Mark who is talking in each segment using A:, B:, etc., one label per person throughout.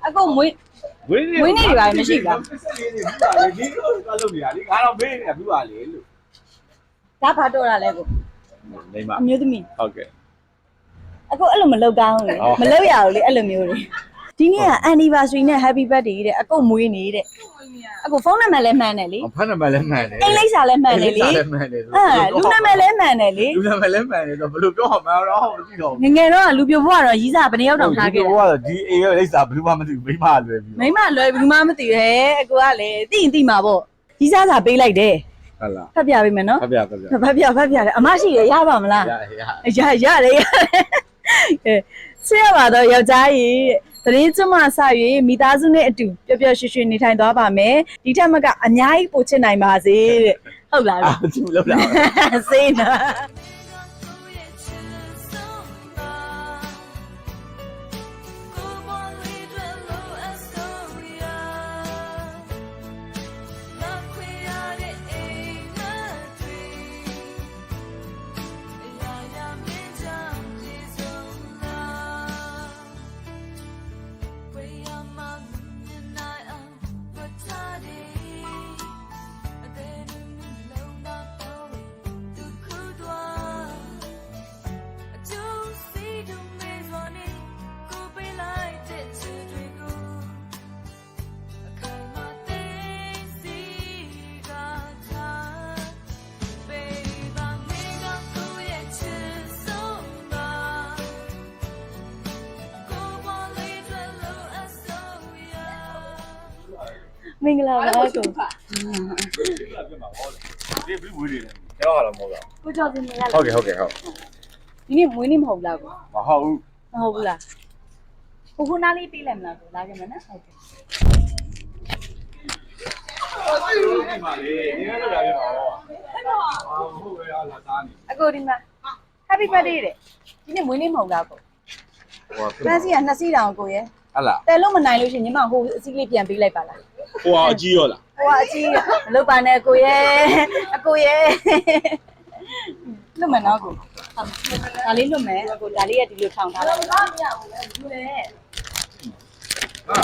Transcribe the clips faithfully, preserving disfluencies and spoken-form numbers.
A: အကိုမွေးမွေးမွေးနေတွေပါမရှိဘူးလား
B: ဒီလိုသွားလုပ်နေတာလေငါတော့မေးနေတာပြပါလေလို့
A: ဒါဘာတော့တာလဲကို
B: နေမ
A: အမျိုးသမီး
B: ဟုတ်ကဲ့
A: အကိုအဲ့လိုမလုပ်ကောင်းဘူးလေမလုပ်ရဘူးလေအဲ့လိုမျိုးတွေဒီနေ့က anniversary နဲ့ happy birthday တဲ့အကိုမွေးနေတဲ့အကိုဖုန်းနံပါတ်လည်းမှန်တယ်လေ
B: ဖုန်းနံပါတ်လည်းမှန်တယ်
A: အိမ်လိပ်စာလည်းမှန်တယ်လေ
B: လည်းမှန်တယ်
A: အဲလူနံပါတ်လည်းမှန်တယ်လေ
B: လူနံပါတ်လည်းမှန်တယ်ဆိုဘယ်လိုပြောမှာတော့မသိတော့
A: ငငယ်တော့လူပြိုဘွားတော့ရီးစားဘယ်နှယောက်တောင်ထားခဲ့
B: တာဘွားဒီအိမ်ရဲ့လိပ်စာဘယ်သူမှမသိဘူးမိမလွယ်ပြီ
A: မိမလွယ်ဘူးမှမသိရဲအကိုကလည်းသိရင်သိမှာပေါ့ရီးစားစာပေးလိုက်တယ်
B: ဟုတ်လား
A: ဖတ်ပြပေးမယ်နော်
B: ဖတ်ပြဖတ်ပြ
A: ဖတ်ပြဖတ်ပြတယ်အမရှိရရပါမလား
B: ရ
A: ရရတယ်ရတယ်အဲဆရာပါတော့ယောက်ျားကြီးတရင်ကျမဆ၍မိသားစုနဲ့အတူပျော်ပျော်ရွှင်ရွှင်နေထိုင်သွားပါမယ်ဒီထက်မကအများကြီးပို့ချစ်နိုင်ပါစေတဲ့ဟုတ်လား
B: အာသူ့လောက်လား
A: စေးနော်မင်္ဂလာပါကို
B: ဒီဘယ်လိုဝေးနေလဲကျောင်းရလားမဟုတ်လား
A: ကိုကျော်စင်နေရလား
B: ဟုတ်ကဲ့ဟုတ်ကဲ့ဟုတ်
A: ဒီနေ့မွေးနေ့မဟုတ်လားကို
B: မဟုတ်ဘူး
A: မဟုတ်ဘူးလားကိုခုနားလေးပြေးလိုက်မလားကိုလာကြမယ်နော်ဟုတ်ကဲ့
B: ဒီမှာလေဒီနေ့တော့လာပြပါတော့အာဟုတ်ပဲလားသားနေ
A: အကိုဒီမှာ happy birthday တဲ့ဒီနေ့မွေးနေ့မဟုတ်လားကို
B: ဟို
A: ပန်းစီကနှစ်စီးတောင်ကိုရဲ့
B: ဟုတ်လား
A: တယ်လို့မနိုင်လို့ရှင်ညီမဟိုအစီးလေးပြန်ပေးလိုက်ပါလား
B: ဟိုအကြီးရောလား
A: ဟိုအကြီးမလုပ်ပါနဲ့ကိုရဲ့အကိုရဲ့လွတ်မယ်နော်ကိုဒါလေးလွတ်မယ်အကိုဒါလေးကဒီလိုထောင်ထားလိုက်ပါမရဘူးလေလူလေ
B: ဟာ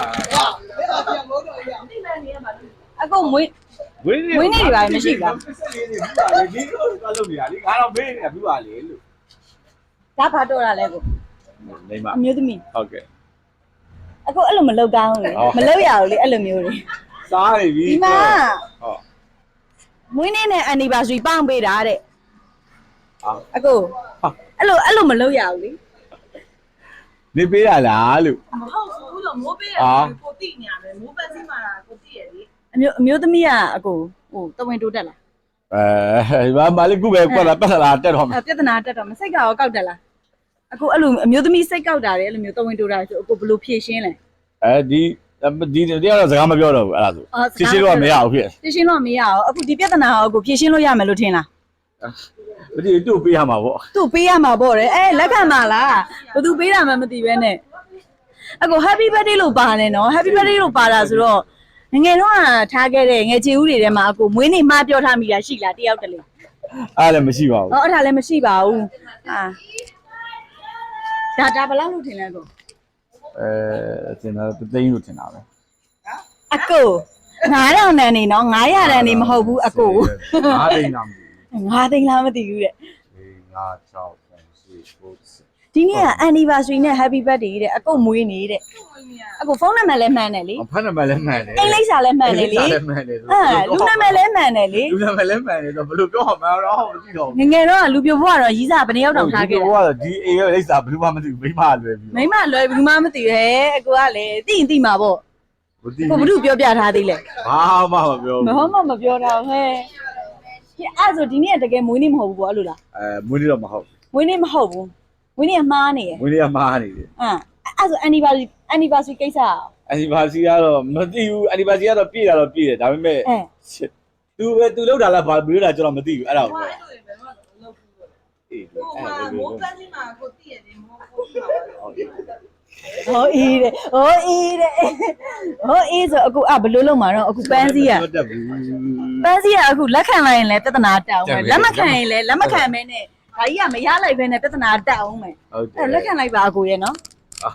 A: အကိုမွေး
B: ဝေးနေ
A: မွေးနေတွေပါမရှိဘူးလား
B: ဒီလိုသွားလုပ်နေတာလေငါတော့မေးနေတာပြပါလေလို့
A: ဒါဘာတော့တာလဲကို
B: နေမ
A: အမျိုးသမီး
B: ဟုတ်ကဲ့
A: အကိုအဲ့လိုမလုပ်ကောင်းဘူးလေမလုပ်ရဘူးလေအဲ့လိုမျိုးတွေ
B: စားနေပြီ
A: ဒီမှာ
B: ဟုတ်
A: မွေးနေ့နဲ့ anniversary ပေါင်းပေးတာတဲ့
B: ဟာ
A: အကိုအဲ့လိုအဲ့လိုမလုပ်ရဘူးလေ
B: နေပေးရလားလို့
C: မဟုတ်ဘူးလို့မိုးပေးရတယ်ကိုတိနေရမယ်မိုးပန်းစီမှာကိုတိရလေ
A: အမျိုးအမျိုးသမီးကအကိုဟိုတဝင်းတိုးတက်လား
B: အဲဘာမလေးခုပဲကွက်လာပတ်လာတက်တော့
A: မယ်ပြဿနာတက်တော့မစိတ်ကရောကောက်တက်လားအကိုအဲ့လိုအမျိုးသမီးစိတ်ကောက်တာတယ်အဲ့လိုမျိုးတဝင်းတိုးတာဆိုအကိုဘယ်လိုဖြည့်ရှင်းလဲ
B: အဲဒီဒီဒီကတော့စကားမပြောတော့ဘူးအဲ့ဒါဆိုဖြည့်ရှင်းလို့မရဘူးဖြစ်
A: ဖြည့်ရှင်းလို့မရအောင်အခုဒီပြဿနာကိုအကိုဖြည့်ရှင်းလို့ရမယ်လို့ထင်လား
B: မသိတူပေးရမှာပေါ့
A: သူ့ပေးရမှာပေါ့တယ်အဲလက်ခံပါလားဘသူပေးတာမှမသိပဲနဲ့အကို happy birthday လို့ပါတယ်နော် happy birthday လို့ပါတာဆိုတော့ငငယ်တော့ထားခဲ့တဲ့ငယ်ချီဦးတွေထဲမှာအကိုမွေးနေ့မှားပြောထားမိတာရှိလားတယောက်တလေ
B: အဲ့လည်းမရှိပါဘူး
A: ဟောအဲ့ဒါလည်းမရှိပါဘူးအာဒါဒါဘယ်လောက်လို့ထင်လဲကို
B: အဲထင်တာသိန်းလို့ထင်တာပဲ
A: အကိုငါးထောင်တန်းနေနော်ငါးရာတန်းနေမဟုတ်ဘူးအကို
B: ငါးသိန်းလားမသိဘူး
A: ငါးသိန်းလားမသိဘူးတဲ့
B: ၄၅၆
A: ဒီနေ့က anniversary နဲ့ happy birthday တဲ့အကိုမွေးနေတဲ့အကိုဖုန်းနံပါတ်လည်းမှန်တယ်လေ
B: ဖုန်းနံပါတ်လည်းမှန်တယ်
A: အိမ်လိပ်စာလည်းမှန်တယ်လေ
B: လည်းမှန်တယ်
A: အဲလူနံပါတ်လည်းမှန်တယ်လေ
B: လူနံပါတ်လည်းမှန်တယ်ဆိုဘယ်လိုပြောမှာတော့မသိတော့
A: ငငယ်တော့လူပြိုဘွားတော့ရီးစားဘယ်နှယောက်တောင်ထားခဲ့တာ
B: ဘွားဒီအိမ်ရဲ့လိပ်စာဘယ်သူမှမသိဘူးမိမလွယ်ပြီ
A: မိမလွယ်ဘူးမှမသိရဲအကိုကလည်းသိရင်သိမှာပေါ့ကိုဘုရုပြောပြထားသေးလဲ
B: ဘာမှမပြောဘူး
A: မဟုတ်မှမပြောတော့ဟဲ့အဲ့ဆိုဒီနေ့တကယ်မွေးနေ့မဟုတ်ဘူးပေါ့အဲ့လိုလား
B: အဲမွေးနေ့တော့မဟုတ်
A: မွေးနေ့မဟုတ်ဘူးမွေးနေ့ကမှားနေရယ်
B: မွေးနေ့ကမှားနေတယ်
A: အင်းအဲ့ဆို anniversary anniversary ကိစ္စอ่ะ
B: anniversary ကတော့မသိဘူး anniversary ကတော့ပြည့်တာတော့ပြည့်တယ်ဒါပေမဲ့သူပဲသူလောက်တာလားဘာပြောတာကျွန်တော်မသိဘူးအဲ့ဒါကို
C: အေးမိုးပန်းစီမှာကိုတိရတယ်မိုးကို
A: ဟုတ်ဟောအေးတဲ့ဟောအေးတဲ့ဟောအေးဆိုအခုအဘလို့လုံးမှာတော့အခုပန်းစီอ่ะပန်းစီอ่ะအခုလက်ခံလိုက်ရင်လည်းပြဿနာတောင်းမယ်လက်မခံရင်လည်းလက်မခံမဲနဲ့ဒါကြီးကမရလိုက်ပဲနဲ့ပြဿနာတက်အောင်မယ်အဲ့လက်ခံလိုက်ပါအကိုရဲ့နော်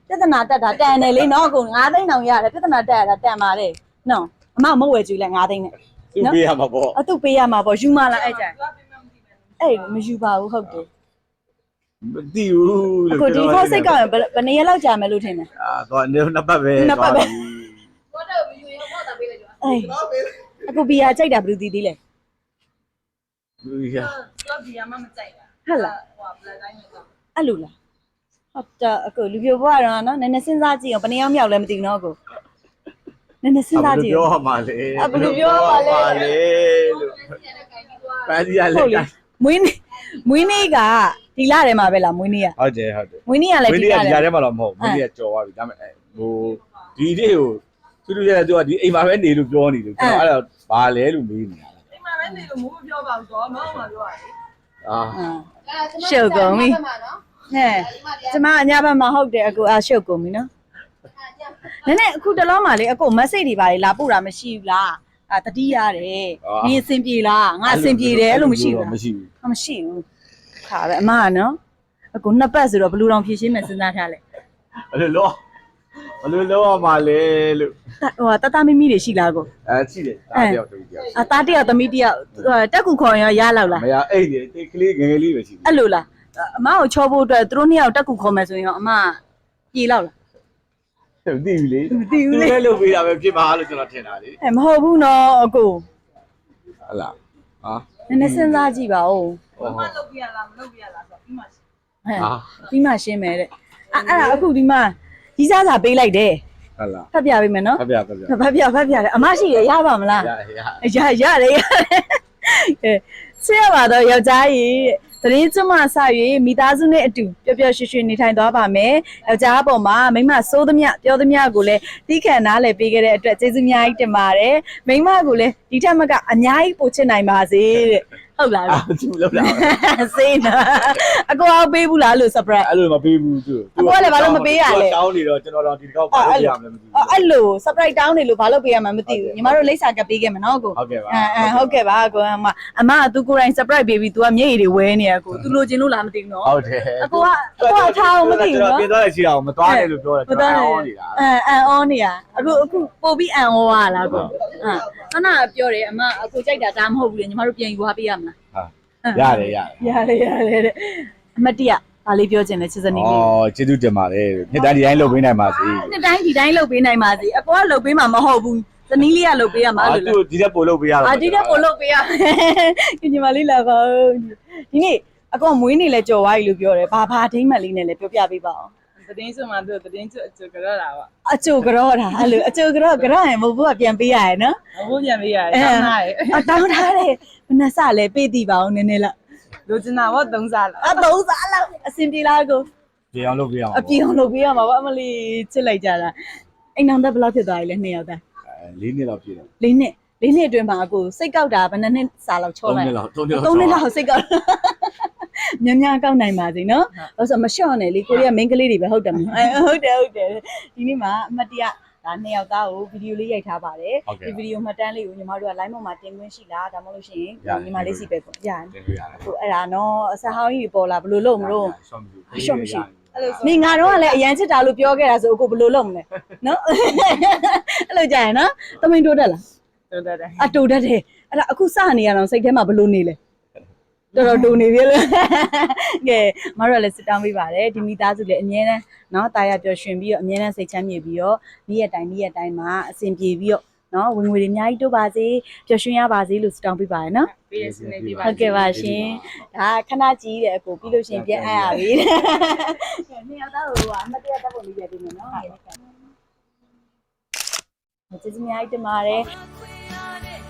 A: ပြဿနာတက်တာတန်တယ်လေနော်ကိုငါးသိန်းတောင်ရတယ်ပြဿနာတက်ရတာတန်ပါတယ်နော်အမမဝယ်ကြည့်လဲငါးသိန်းနဲ့
B: သူပေးရမှာပေါ့
A: အတူပေးရမှာပေါ့ယူမလားအဲ့ကြအဲ့မယူပါဘူးဟုတ်တယ်
B: မသိဘူးလို့
A: အခုဒီခေါက်စိတ်ကောက်ရင်ဘယ်နှစ်ရက်လောက်ကြာမယ်လို့ထင်တယ်
B: အာတော့နှစ်ပတ်ပဲ
C: ဘောတော့မယူရင်ဘောတာပေးလိုက်ကြ
A: အေးအခုဘီယာကြိုက်တာဘယ်လိုသိသေးလဲ
B: ဘူးရ
C: တော့ဘီယာမမကြိုက်တာ
A: ဟုတ်လား
C: ဟိုဘလက်တိုင်းတော့
A: အဲ့လိုလားဟုတ်တာအခုလူပြိုဘွားတော့နော်နည်းနည်းစဉ်းစားကြည့်အောင်ဘယ်နှစ်ယောက်မြောက်လဲမသိဘူးနော်ကိုနည်းနည်းစဉ်းစားကြည့်
B: ပြော
A: အောင်
B: မှာလေ
A: အဘယ်လိုပြောပါလဲ
B: လေလို့ပန်းစီရလေ
A: ဟုတ်လေမွေးနေ့မွေးနေ့ကဒီလထဲမှာပဲလားမွေးနေ့က
B: ဟုတ်တယ်ဟုတ်တယ်
A: မွေးနေ့ကလည်း
B: ဝင်း
A: ဒီ
B: လေး
A: လ
B: ကဒီ
A: ထဲ
B: ကြားထဲမှာတော့မဟုတ်ဝင်းလေးကကြော်သွားပြီဒါပေမဲ့ဟိုဒီနေ့ကိုသူတို့ရဲ့သူကဒီအိမ်မှာပဲနေလို့ပြောနေလို့ကျွန်တော်အဲ့တော့ဘာလဲလို့မေးနေတာ
C: အိမ်မှာပဲနေလို့မိုးမပြောပါဘူးတော့မောင်းမှာပြောရတယ်
B: အာ
A: ရှုပ်ကုန်ပြီဟဲ့ကျမအညာဘက်မှာဟုတ်တယ်အခုအရှုပ်ကုန်ပြီနော်နည်းနည်းအခုတလောမှလေအခုမက်ဆေ့တွေပါလေလာပို့တာမရှိဘူးလားအာတတိရတယ်နင်းအဆင်ပြေလားငါအဆင်ပြေတယ်အဲ့လိုမရှိဘူးလား
B: မရှိဘူး
A: ။မရှိဘူး။ခါပဲအမကနော်။အခုနှစ်ပတ်ဆိုတော့ဘလူးတောင်ဖြည့်ရှင်းမယ်စဉ်းစားထားလဲ
B: ဘယ်လိုလောဘယ်လိုလောရမှာလဲလို့
A: ။ဟိုတတမမီတွေရှိလားကို
B: အဲရှိတယ်ဒါတယောက်တူတယောက်
A: ။အသားတယောက်သမီးတယောက်တက်ကူခေါ်ရင်ရလောက်လား
B: မရအဲ့ဒီတိတ်ကလေးငယ်ငယ်လေးပဲရှိ
A: ။အဲ့လိုလား။အမကိုချောဖို့အတွက်သူတို့နှစ်ယောက်တက်ကူခေါ်မယ်ဆိုရင်အမပြေလောက်လား
B: တယ်မသိဘူးလေ
A: ။မသိဘူးလေ
B: သူလည်းလုပ်ပေးတာပဲဖြစ်ပါလို့ကျွန်တော်ထင်တာလေ
A: ။အဲမဟုတ်ဘူးနော်အကို
B: ဟလာဟာ
A: ။နည်းနည်းစဉ်းစားကြည့်ပါဦး
C: ဘာမှလုပ်ပြရလားမလုပ်ပြရလားဆိုပြီးမှ
A: ။ဟဲ့ပြီးမှရှင်းမယ်တဲ့။အဲ့အဲ့ဒါအခုဒီမှာကြီးစားစာပေးလိုက်တယ်
B: ဟလာ
A: ။ဖတ်ပြပေးမယ်နော်
B: ဖပြဖပြ
A: ။ဖတ်ပြဖတ်ပြတယ်အမရှိရရပါမလား
B: ရရ
A: ရရတယ်ရတယ်အဲဆွေးရပါတော့ယောက်ျားကြီးသတင်းကျွမ်းမဆ၍မိသားစုနဲ့အတူပျော်ပျော်ရွှင်ရွှင်နေထိုင်သွားပါမယ်ယောက်ျားအပေါ်မှာမိန်းမစိုးသမျှပြောသမျှကိုလည်းတီးခံနားလည်ပေးခဲ့တဲ့အတွက်ကျေးဇူးအများကြီးတင်ပါတယ်မိန်းမကိုလည်းဒီထက်မကအများကြီးပို့ချစ်နိုင်ပါစေတဲ့ဟုတ်လား
B: အာသူလောက်တာ
A: စေးနာအကောအောင်ပေးဘူးလားလို့ surprise
B: အဲ့လိုမပေးဘူးသူ
A: အကိုကလည်းဘာလို့မပေးရလဲ
B: တောင်းနေတော့ကျွန်တော်တော့ဒီတစ်ခေါက်ပါလို့ရမယ်မသိဘူး
A: အဲ့လို surprise တောင်းနေလို့ဘာလို့ပေးရမှာမသိဘူးညီမတို့လိပ်စာကပ်ပေးခဲ့မှာနော်ကို
B: ဟုတ်ကဲ့ပါ
A: အဲအဲဟုတ်ကဲ့ပါကိုအမအမကသူကိုယ်တိုင် surprise ပေးပြီး तू ကမျက်ရည်တွေဝဲနေရကို तू လိုချင်လို့လားမသိဘူးနော်
B: ဟုတ်တယ်
A: အကိုကအကိုကထားအောင်မသိဘူး
B: ကျွန်တော်
A: နော်
B: ပြင်သွားရရှိအောင်မသွားနဲ့လို့ပြောတယ်ကျွန်တော်အောင်းနေတာ
A: အဲအန်အောနေရအခုအခုပို့ပြီးအန်အောရလားကိုဟာခဏပြောတယ်အမအကိုကြိုက်တာဒါမဟုတ်ဘူးလေညီမတို့ပြန်ယူသွားပေးရမလား
B: ဟာရတယ်ရတယ်
A: ရတယ်ရတယ်တဲ့အမတ်တရဘာလေးပြောချင်လဲချစ်စနီးလေး
B: အော်ကျေးဇူးတင်ပါတယ်နှစ်တိုင်းဒီတိုင်းလုပ်ပေးနိုင်ပါစေ
A: နှစ်တိုင်းဒီတိုင်းလုပ်ပေးနိုင်ပါစေအကိုကလုပ်ပေးမှာမဟုတ်ဘူးစနီးလေးကလုပ်ပေးရမှာ
B: အာ
A: လို့
B: သူဒီတက်ပို့လုပ်ပေးရတော့
A: အာဒီတဲ့ကိုလုပ်ပေးရညီမလေးလာပါဦးဒီနေ့အကောင်မွေးနေလဲကြော်သွားပြီလို့ပြောတယ်ဘာဘာဒိမ့်မက်လေးနဲ့လဲပြောပြပေးပါအောင်
C: သတင်းဆိုမှသူသတင်းကျွတ်အကျွတ်ကြောတာပါ
A: အချိုကြောတာအဲ့လိုအချိုကြောကြောရင်မဟုတ်ဘူးကပြန်ပေးရရနော်
C: အခုပြန်ပေးရတယ်တောင်းထားတယ်
A: အတောင်းထားတယ်ဘယ်နှစလဲပေးတည်ပါအောင်နည်းနည်းလောက်
C: လိုချင်တာဘောသုံးစားလား
A: အသုံးစားလောက်အစင်ပြေလားကို
B: ပြေအောင်လုပ်ပေးအောင်
A: အပြေအောင်လုပ်ပေးရမှာပေါ့အမလီချစ်လိုက်ကြတာအိမ်အောင်သက်ဘယ်လောက်ဖြစ်သွားပြီလဲနှစ်ယောက်သား
B: အဲလေးနှစ်လောက်ပြည့်တယ်
A: လေးနှစ်လေးနှစ်အတွင်းမှာအကိုစိတ်ကောက်တာဘယ်နှစ်နှစ်စာလောက်ချော
B: သုံး
A: လိုက်
B: နှစ်လောက်သုံးနှစ်လောက်
A: သုံးနှစ်လောက်စိတ်ကောက်များများကောက်နိုင်ပါစေနော်ဟုတ်ဆိုမလျှော့နဲ့လေကိုရီးယား main ကလေးတွေပဲဟုတ်တယ်မဟုတ်အဲဟုတ်တယ်ဟုတ်တယ်ဒီနေ့မှာအမတ်တရဒါနှစ်ယောက်သားကိုဗီဒီယိုလေးရိုက်ထားပါတယ်ဒီဗီဒီယိုမှတ်တမ်းလေးကိုညီမတို့က line ပေါ်မှာတင်ခွင့်ရှိလားဒါမှမဟုတ်လို့ရှိရင်ညီမလေးစီပဲပေါ့ရတယ်
B: တင်ပြရတယ်
A: ဟိုအဲ့ဒါနော်အစဟောင်းကြီးပေါ်လာဘယ်လိုလုပ်မလို့
B: ရှော့မရှိ
A: ရှော့မရှိ
C: အဲ့လို
A: နေငါတော့ကလည်းအရန်ချစ်တာလို့ပြောခဲ့တာဆိုအခုဘယ်လိုလုပ်မလဲနော်အဲ့လိုကြာရင်နော်တမင်တိုးတက်လား
C: တော်တယ်တယ်
A: အတိုးတက်တယ်အဲ့ဒါအခုစနေရအောင်စိတ်ထဲမှာဘယ်လိုနေလဲတော်တော်တူနေပြီလေကဲမတို့လည်းစစ်တောင်းပေးပါတယ်ဒီမိသားစုလည်းအမြဲတမ်းเนาะတာယာပျော်ရွှင်ပြီးတော့အမြဲတမ်းစိတ်ချမ်းမြေပြီးတော့နေ့ရက်တိုင်းနေ့ရက်တိုင်းမှာအဆင်ပြေပြီးတော့เนาะဝင်ငွေတွေအများကြီးတိုးပါစေပျော်ရွှင်ရပါစေလို့စစ်တောင်းပေးပါတယ်နော်
C: ပေးရစနေပြပါ
A: ဟုတ်ကဲ့ပါရှင်ဒါခဏကြီးတဲ့အကိုပြီးလို့ရှင်ပြန်အပ်ရပြီနှစ်ယောက်သားဟိုကအမတ်တရတက်ဖို့လေးပြပေးမယ်နော်ကျေးဇူးအများကြီးတင်ပါတယ်